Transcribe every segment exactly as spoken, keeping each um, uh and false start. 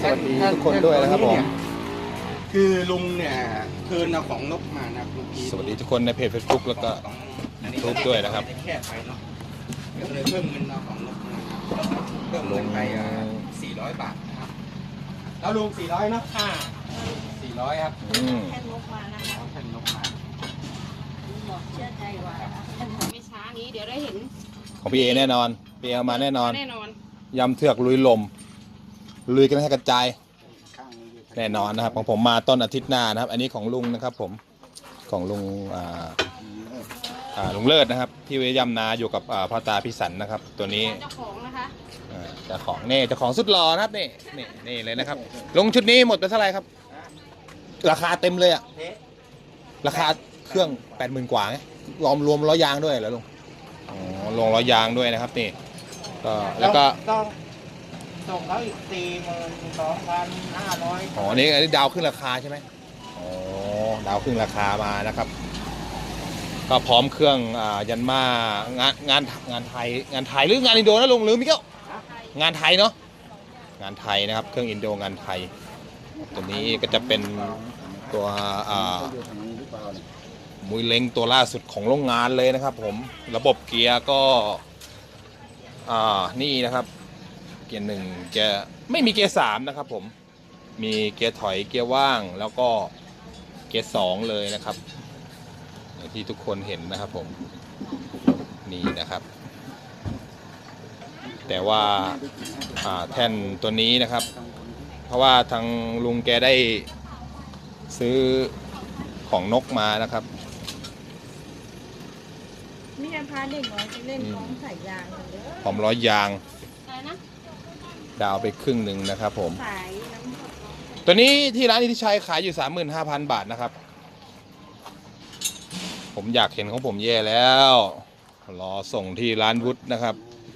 สวัสดีทุกคนด้วยนะครับผมคือลุงเนี่ยคืนเอาของนกมานะลุงพีสวัสดีทุกคนในเพจ Facebook แล้วก็ YouTube ด้วยนะครับแค่ไปเนาะก็เลยเพิ่มเงินเอาของนกมาเพิ่มเงินไปสี่ร้อยบาทนะครับแล้วลุงสี่ร้อยเนาะค่ะสี่ร้อยครับแค่นกมานะคะแค่นกมาบอกเชื่อใจว่าไม่ช้านี้เดี๋ยวได้เห็นของพี่เอแน่นอนพี่เอมาแน่นอนแน่นอนยำเถือกลุยลมลุยกันให้กระจายแน่นอนนะครับของผมมาต้นอาทิตย์หน้านะครับอันนี้ของลุงนะครับผมของลุงอ่าอ่าลุงเลิศนะครับที่เวยยำนาอยู่กับอ่าพ่อตาพี่สันนะครับตัวนี้เจ้าของนะคะอ่าเจ้าของนี่เจ้าของสุดหล่อนะครับนี่นี่นี่เลยนะครับลงชุดนี้หมดไปเท่าไหร่ครับราคาเต็มเลยอะราคาเครื่องแปดหมื่นกว่าไงรวมรวมล้อยางด้วยเหรอลุงอ๋อลงล้อยางด้วยนะครับนี่ก็แล้วก็ต้องส่งเขาอีกสี่หมื่นสองพันห้าร้อยอ๋อนี่อันนี้ดาวขึ้นราคาใช่ไหมอ๋อดาวขึ้นราคามานะครับก็พร้อมเครื่องอ่ายันมางานงานงานไทยงานไทยหรืองานอินโดนะลุงหรือมิเก้างานไทยเนาะงานไทยนะครับเครื่องอินโดงานไทยตัวนี้ก็จะเป็นตัวอ่ามุยเล้งตัวล่าสุดของโรงงานเลยนะครับผมระบบเกียร์ก็อ่านี่นะครับเกียร์หนึ่งเกียร์ไม่มีเกียร์สามนะครับผมมีเกียร์ถอยเกียร์ว่างแล้วก็เกียร์สองเลยนะครับอย่างที่ทุกคนเห็นนะครับผมนี่นะครับแต่ว่าอ่าแท่นตัวนี้นะครับเพราะว่าทางลุงแกได้ซื้อของนกมานะครับนี่จะพาเด็กน้อยไปเล่นของสายยางกันเยอะพร้อมร้อยยางอะไรนะดาวไปครึ่งหนึ่งนะครับผมสายน้ำตัวนี้ที่ร้านอิทธิชัยขายอยู่ สามหมื่นห้าพัน บาทนะครับผมอยากเห็นของผมแย่แล้วรอส่งที่ร้านวุฒินะครับ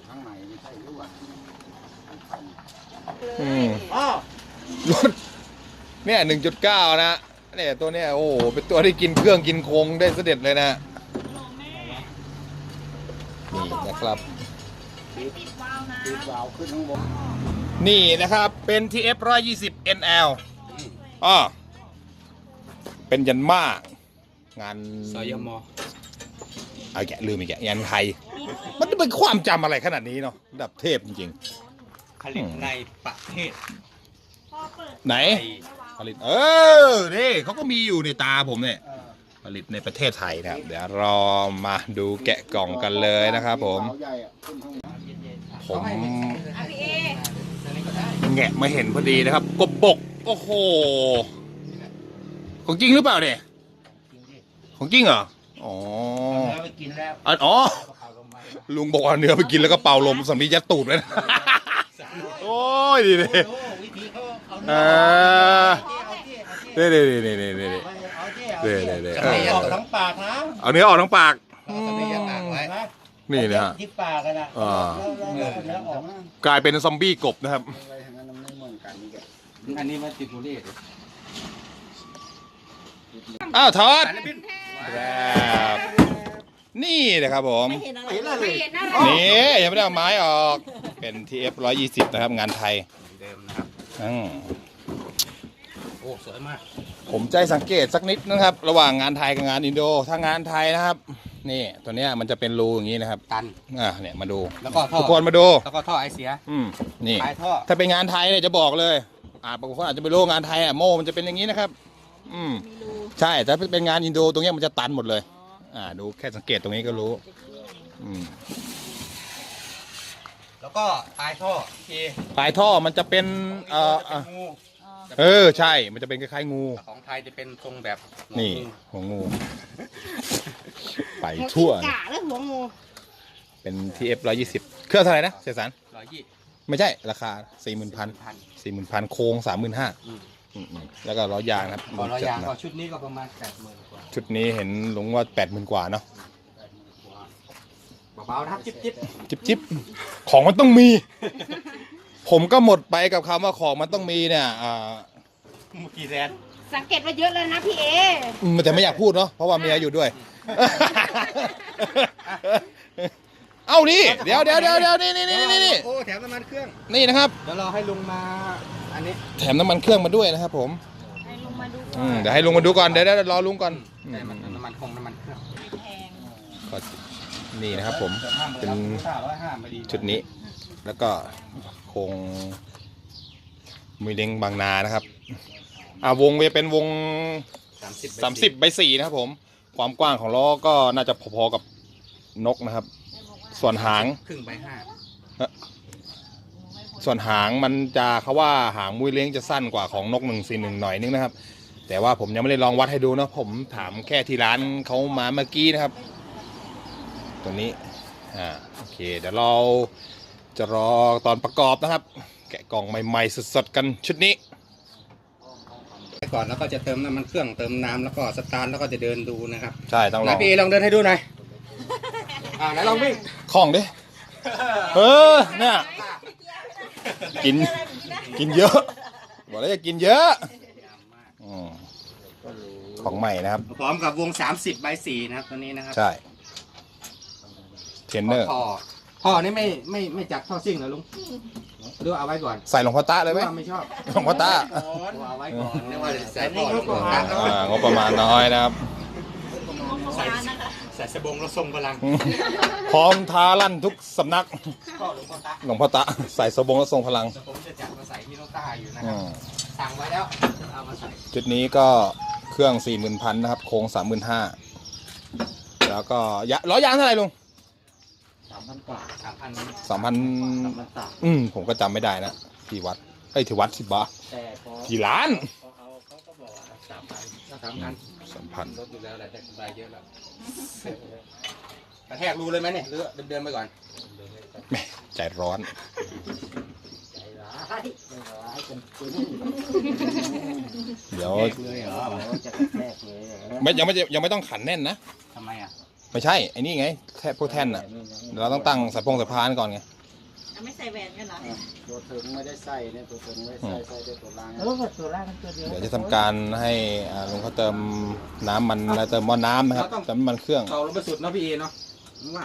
อืมรถเนี่ย หนึ่งจุดเก้า นะเนี่ยตัวเนี้ยโอ้โหเป็นตัวที่กินเครื่องกินโครงได้เสด็จเลยนะนี่นะครับนี่นะครับเป็น ที เอฟ หนึ่งร้อยยี่สิบ เอ็น แอล อ๋อเป็นยันมากงานสยมเอาแกลืมอีกแกงานไทยมันจะเป็นความจำอะไรขนาดนี้เนาะระดับเทพจริงๆผลิตในประเทศไหนผลิตเออนี่เขาก็มีอยู่ในตาผมเนี่ยผลิตในประเทศไทยนะครับเดี๋ยวรอมาดูแกะกล่องกันเลยนะครับผมผมแงะมาเห็นพอดีนะครับกบบกโอ้โหของจริงหรือเปล่าเนี่ยของจริงเหรออ๋ออ๋อลุงบอกว่าเนื้อไปกินแล้วก็เป่าลมสำลียัดตูดเลยนะโอ้ยดีเลยเออเด้เด้เด้เด้เด้เด้เด้เด้เด้ออกทั้งปากนะเอาเนื้อออกทั้งปากนี่นะฮะที่ปากกันนะกลายเป็นซอมบี้กบนะครับอันนี้มันติดบุหรี่อ้าวทอดครับนี่นะครับผมนี่ยังไม่ได้เอาไม้ออกเป็น ที เอฟ หนึ่งร้อยยี่สิบ นะครับงานไทยเดิมนะครับอืมโอ้สวยมากผมใจสังเกตสักนิดนะครับระหว่างงานไทยกับงานอินโดถ้างานไทยนะครับนี่ตัวเนี้ยมันจะเป็นรูอย่างนี้นะครับตันอ่าเนี่ยมาดูแล้วก็ท่อทุกคนมาดูแล้วก็ท่อไอเสียอืมนี่ท่อถ้าเป็นงานไทยเนี่ยจะบอกเลยอ่าบางคนอาจจะไม่รู้งานไทยอ่ะโม่มันจะเป็นอย่างนี้นะครับอืมใช่แต่เป็นงานอินโดตรงนี้มันจะตันหมดเลยอ่าดูแค่สังเกตตรงนี้ก็รู้อืมแล้วก็ปลายท่อปลายท่อมันจะเป็นเอ่อเออใช่มันจะเป็นคล้ายๆงูของไทยจะเป็นทรงแบบนี่หัวงูไปทั่วกะแล้วหัวงูเป็น ที เอฟ หนึ่งร้อยยี่สิบ เครื่องเท่าไหร่นะเสียสารร้อยยี่ไม่ใช่ราคา สี่หมื่นพัน สี่หมื่นพันโค้ง สามหมื่นห้าพัน แล้วก็ล้อยางนะครับล้อยางก็ชุดนี้ก็ประมาณ แปดหมื่น กว่าชุดนี้เห็นลุงว่า แปดหมื่น กว่าเนาะเบาๆนะครับจิ๊บจิ๊บจิ๊บจิ๊บของมันต้องมี ผมก็หมดไปกับคำว่าของมันต้องมีเนี่ยอ่าเมื่อกี้แซนสังเกตว่าเยอะแล้วนะพี่เอแต่ไม่อยากพูดเนาะเพราะว่าเมียอยู่ด้วยเอ้านี่เดี๋ยวเดี๋ยวเดี๋ยวเดี๋ยวนี่นี่นี่นี่โอ้แถมน้ำมันเครื่องนี่นะครับเดี๋ยวรอให้ลุงมาไออันนี้แถมน้ำมันเครื่องมาด้วยนะครับผมให้ลุงมาดูอืมเดี๋ยวให้ลุงมาดูก่อนเดี๋ยวเดี๋ยวรอลุงก่อนอืมได้มันน้ำมันคงน้ำมันเครื่องแพงก็นี่นะครับผมเป็นร้อยห้าไม่ดีชุดนี้ แล้วก็โครงมือเล้งบางนานะครับอ่าวงจะเป็นวงสามสิบสามสิบใบสี่นะครับผมความกว้างของล้อก็น่าจะพอๆกับนกนะครับ ส่วนหางครึ่งใบห้าส่วนหางมันจะเขาว่าหางมุ้ยเล้งจะสั้นกว่าของนกหนึ่งสี่หนึ่งหน่อยนึงนะครับ แต่ว่าผมยังไม่ได้ลองวัดให้ดูนะผมถามแค่ที่ร้านเขามาเมื่อกี้นะครับ ตัวนี้อ่าโอเคเดี๋ยวเราจะรอตอนประกอบนะครับ แกะกล่องใหม่ๆสดๆกันชุดนี้ก่อนแล้วก็จะเติมน้ำมันเครื่องเติมน้ำแล้วก็สตาร์ทแล้วก็จะเดินดูนะครับใช่ต้องลนาองพี่ลองเดินให้ดูหน่อยอ่าไหนลองวิ่งคล่องดิเออเนี่ยกินกินเยอะบอกแล้วจะกินเยอะอืมของใหม่นะครับพร้อมกับวงสามสิบใบสี่นะครับตัวนี้นะครับใช่เทรนเนอร์พ่อพ่อนี่ไม่ไม่ไม่จัดท่อซิ่งเหรอลุงดูเอาไว้ก่อนใส่หลวงพ่อตาเลยไหมว่าไม่ชอบหลวงพ่อตาเอาไว้ก่อนเรียกว่าใส่พ่อหลวงพ่อตาอ่างบประมาณน้อยนะครับใส่ใส่สบงแล้วทรงพลังพร้อมท้าลั่นทุกสำนักพ่อหลวงพ่อตาหลวงพ่อตาใส่สบงและทรงพลังผมจะจัดมาใส่ที่โนต้าอยู่นะคอืรับมสั่งไว้แล้วเอามาใส่จุดนี้ก็เครื่องสี่หมื่นพันนะครับ โค้งสามหมื่นห้าแล้วก็ยะล้อยางเท่าไหร่ลุงสามพันกว่าสามพันสามพันสามพันสามอืมผมก็จำไม่ได้นะที่วัดเอ้ยที่วัดสิบบาทแต่พอที่ร้านพอเอาเขาก็บอกว่าสามพันสามพันสามพันลดอยู่แล้วแหละแต่กำไรเยอะแล้วกระแทกรูเลยไหมเนี่ยหรือเดินๆไปก่อนแหม่ใจร้อนใจร้ายใจร้ายจนปืนเดี๋ยวแทกเลยเหรอจะกระแทกเลยเหรอไม่ยังไม่ยังไม่ต้องขันแน่นนะทำไมอ่ะไม่ใช่ไอ้นี่ไงแค่พวกแท่นอ่ะเดี๋ยวเราต้องตั้งสายพงสายพานก่อนไงไม่ใส่แหวนกันเหรอตัวถึงไม่ได้ใส่เนี่ยตัวถึงไม่ได้ใส่ใส่ได้ตัวล่างเออตัวแรกมันตัวเดียวเดี๋ยวจะทำการให้อ่าลุงเขาเติมน้ำมันและเติมหม้อน้ำนะครับเติมน้ำมันเครื่องเขาลงไปสุดเนาะพี่เอเนาะว่า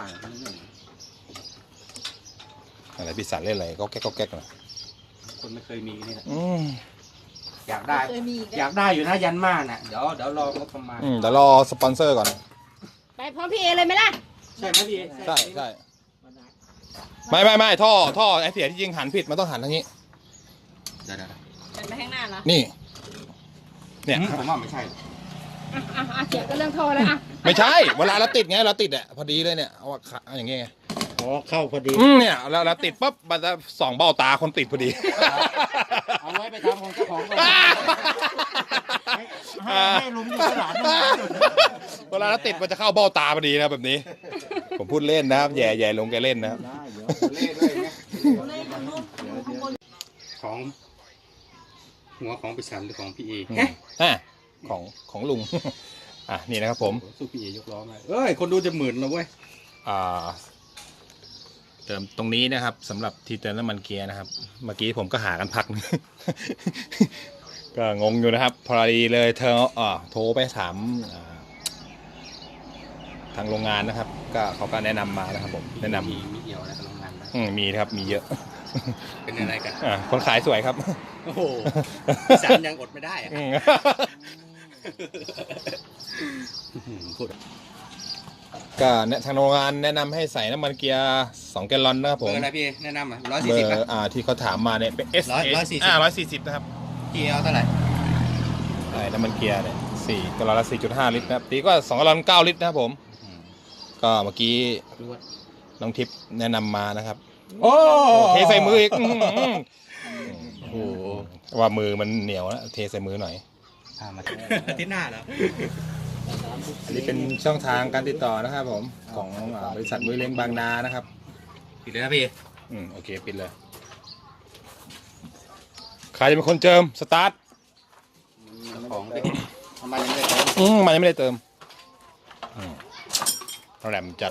อะไรพี่สันเล่นอะไรก็แก๊กก็แก๊กนะคนไม่เคยมีนี่แหละอืมอยากได้เคยมีอีกอยากได้อยู่นะยันมาน่ะเดี๋ยวเดี๋ยวรองบประมาณอืมเดี๋ยวรอสปอนเซอร์ก่อนไปพร้อมพี่เอเลยไหมล่ะใช่ไหมพี่เอใช่ใช่ไม่ไม่ไม่ท่อท่อไอเสียที่จริงหันผิดมันต้องหันทางนี้เดี๋ยวเดี๋ยวเดินไปข้างหน้าเหรอนี่ เนี่ยผมว่าไม่ใช่อ่ะอ่ะอ่ะเสียงก็เรื่องโทรเลยอ่ะไม่ใช่เวลาเราติดไงเราติดอ่ะพอดีเลยเนี่ยเอาขาเอาอย่างเงี้ยไงอ๋อเข้าพอดีอืมเนี่ยเราเราติดปั๊บมันจะส่องเบ้าตาคนติดพอดีเอาไว้ไปทำของเจ้าของก่อนให้ให้ลุงอยู่ตลาดนะเวลาเราติดมันจะเข้าเบ้าตาพอดีนะแบบนี้ ผมพูดเล่นนะครับแย่แย่ลงแกเล่นนะครับได้เดี๋ยวเล่ด้วยไงของหัวของปิสันหรือของพี่เออืมอ่ะของของลุง อ่ะนี่นะครับผมสู้พี่เอยกล้อมาเอ้ยคนดูจะหมื่นแล้วเว้ยอ่าเติมตรงนี้นะครับสำหรับที่เติมน้ำมันเกียร์นะครับ เมื่อกี้ผมก็หากันพักนึง ก็งงอยู่นะครับ พอดีเลยเธออ่าโทรไปถามอ่าทางโรงงานนะครับ ก็เขาก็แนะนำมานะครับผมแนะนำมีมีเอี่ยวอะไรกับโรงงานบ้างอืมมีนะครับมีเยอะเป็นอะไรกันอ่าคนขายสวยครับโอ้โหพี่สันยังอดไม่ได้อะอืมพูดก็เนี่ยทางโรงงานแนะนำให้ใส่น้ำมันเกียร์สองแกลลอนนะครับเบผอมร์อะไรพี่แนะนำอ่ะร้อยเบสี่อสิบร์อ่าที่เขาถามมาเนี่ยเป็น S ร้อยร้อยสี่สิบอ่าร้อยสี่สิบนะครับพี่เอาเท่าไหร่ใช่น้ำมันเกียร์เนี่ยสี่กะลอนละสี่จุดห้าลิตรนะครับตีก็สองกะลอนเก้าลิตรนะครับผม ก็เมื่อกี้รู้ว่าน้องทิพย์แนะนำมานะครับโอ้เทใส่มืออีกอื้อหือโอ้โหว่ามือมันเหนียวนะเทใส่มือหน่อยอ่ามาอาทิตย์หน้าเหรออันนี้เป็นช่องทางการติดต่อนะครับผมของอ่าบริษัทมือเล้งบางนานะครับปิดเลยนะพี่อืมโอเคปิดเลยใครจะเป็นคนเจิมสตาร์ทของดิทำไมยังไม่ได้อืมมันยังไม่ได้เติมอืมแหลมจัด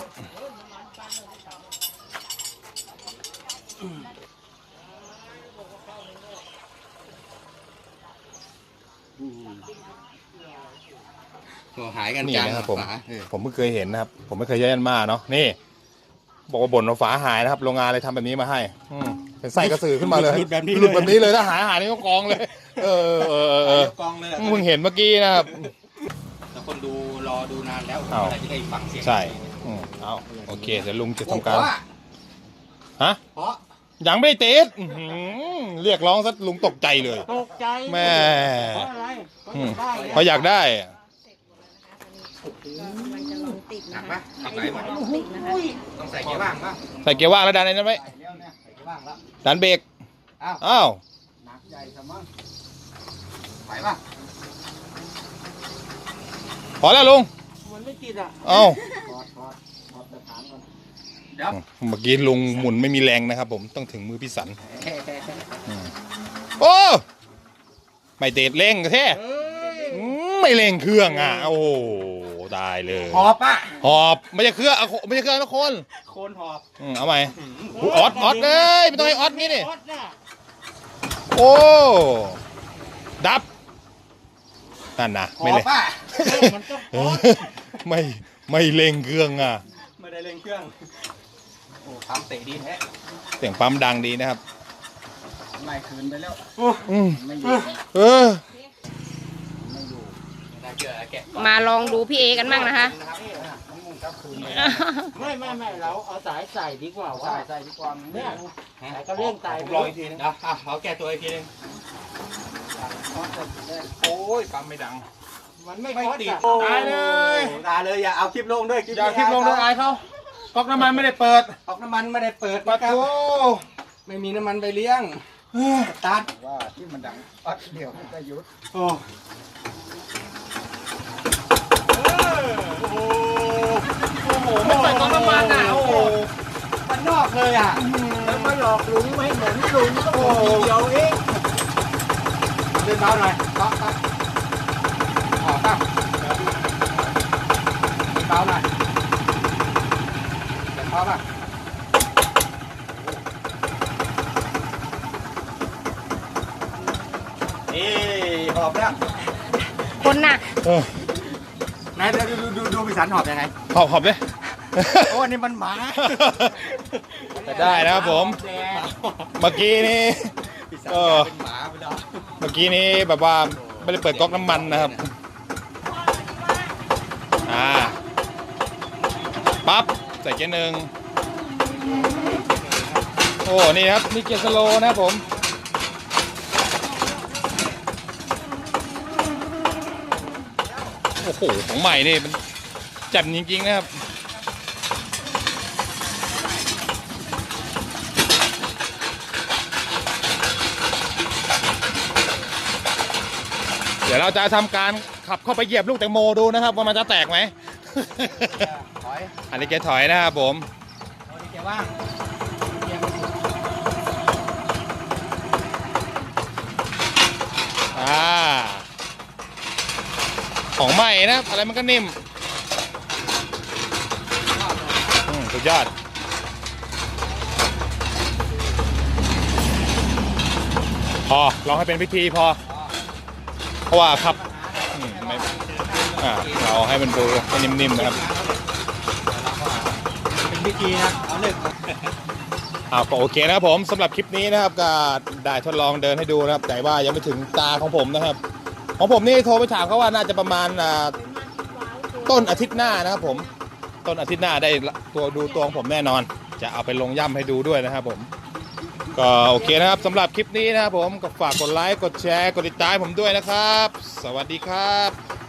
โอ้หายกันนี่กลางนะครับผมฝาเออผมเพิ่งเคยเห็นนะครับ ผมไม่เคยใช้ยันมาเนาะนี่ บอกว่าบ่นว่าฝาหายนะครับ โรงงานเลยทำแบบนี้มาให้ อืมเป็นไส้กระสือขึ้นมาเลยหลุดแบบนี้เลยหลุดแบบนี้เลยถ้าหายหายนี่ก็กองเลย เออเออเออเออเดี๋ยวกองเลยอะเพิ่งเห็นเมื่อกี้นะครับแต่คนดูรอดูนานแล้วอ้าวเมื่อไหร่จะได้ฟังเสียงใช่อืมเอาโอเคเดี๋ยวลุงจะโอ้ทำการเพะฮะเพราะยังไม่ได้ติดอื้อหือเรียกร้องซะลุงตกใจเลยตกใจแม่เพราะอะไรอืมได้เพราะอยากได้อะมันจะลองติดหนันะกคะปะหนักไหนมัวะนลองติดนะคะต้องใส่เกียร์ว่างปะใส่เกียร์ว่างแล้วดันไอ้นั้นไว้ใส่แล้วเนี่ยใส่เกียร์ว่างแล้วดันเบรกอ้าวอ้าวหนักใหญ่สมั้งไหวปะพอแล้วลุงมันไม่ติดอ่ะเอ้าถอดถอดถอดสถานก่อนเดี๋ยวเมื่อกี้ลุงหมุนไม่มีแรงนะครับผมต้องถึงมือพี่สันอืมโอ้ไม่เตะเร่งแท้เอ้ยอืมไม่เร่งเครื่องอ่ะโอ้โหตายเลยหอบปะหอบไม่ใช่เครื่องเอาไม่ใช่เครื่องนะคนโคนหอบอืมเอาใหม่อุ๊ยออดออดเลยไม่ต้องให้ออดงี้นี่ออดน่ะโอ้ดับนั่นนะหไม่อบเร่งปะมันต้องเออไม่ไม่เร่งเครื่องอ่ะไม่ได้เร่งเครื่องโอ้ปั๊มเตะดีแท้เสียงปั๊มดังดีนะครับไล่คืนไปแล้วอืมไม่อยู่เออไม่อยู่ไม่ได้เจอแกะมาลองดูพี่เอกันบ้างนะคะนะครับน้ำมูกเจ้าคืนเลยไม่ไม่ไม่เราเอาสายใส่ดีกว่าว่าใส่ใส่ดีกว่าเนี่ยสายก็เร่งไตผมรออีกทีนึงเดี๋ยวอ่ะขอแก้ตัวอีกทีนึงโอ้ยปั๊มไม่ดังมันไม่ไม่คอดติดอ่ะตายเลยตายเลยอย่าเอาคลิปลงด้วยอย่าคลิปลงด้วยอายเขาก๊อกน้ำมันไม่ได้เปิดออกน้ำมันไม่ได้เปิดปะนะครับโถไม่มีน้ำมันไปเลี้ยงตัดว่าที่มันดังอัดเดี๋ยวมันจะยุดโอ้โหโอ้โหไม่ใส่ก๊อกน้ำมันอ่ะโอ้โหมันนอกเลยอ่ะแล้วมาหลอกลุงไม่เหมือนลุงก็โอ้เดียวเองเดินเบาหน่อยเบาเบาออกป่ะเบาหน่อยเดินเบาป่ะเอ้หอบแล้วคนหนักเออไหนเดี๋ยวดูดูดูดูพี่สันหอบยังไงหอบหอบเลยโอ้อันนี่มันหมาจะได้นะครับผม เมื่อกี้นี่พี่สันเออเป็นหมาไปแล้วเมื่อกี้นี้แบบว่าไม่ได้เปิดก๊อกน้ำมันนะครับ อ่า ปั๊บ ใส่เกียร์หนึ่ง โอ้ นี่ครับ มีเกียร์สโลว์นะครับผม โอ้โห ของใหม่นี่มันแจ่มจริงๆนะครับ เดี๋ยวเราจะทำการขับเข้าไปเหยียบลูกแตงโมดูนะครับว่ามันจะแตกไหมถอยอันนี้เกียร์ถอยนะครับผมเอาที่แกว่างเกียร์มันอยู่อ่า ของใหม่นะครับอะไรมันก็นิ่มอืมสุดยอด พอลองให้เป็นพิธีพอ เพราะว่าขับอืมไม่อ่าเราให้มันดูให้นิ่มๆนะครับเป็นพิธีนะเอาเลิกอ่าก็โอเคนะครับผมสำหรับคลิปนี้นะครับก็ได้ทดลองเดินให้ดูนะครับแต่ว่ายังไม่ถึงตาของผมนะครับ ของผมนี่โทรไปถามเขาว่าน่าจะประมาณอ่าต้นอาทิตย์หน้านะครับผมต้นอาทิตย์หน้าได้ตัวดูตัวของผมแน่นอน จะเอาไปลงย่ำให้ดูด้วยนะครับผมก็โอเคนะครับสำหรับคลิปนี้นะครับผมก็ฝากกดไลค์กดแชร์กดติดตามผมด้วยนะครับ สวัสดีครับ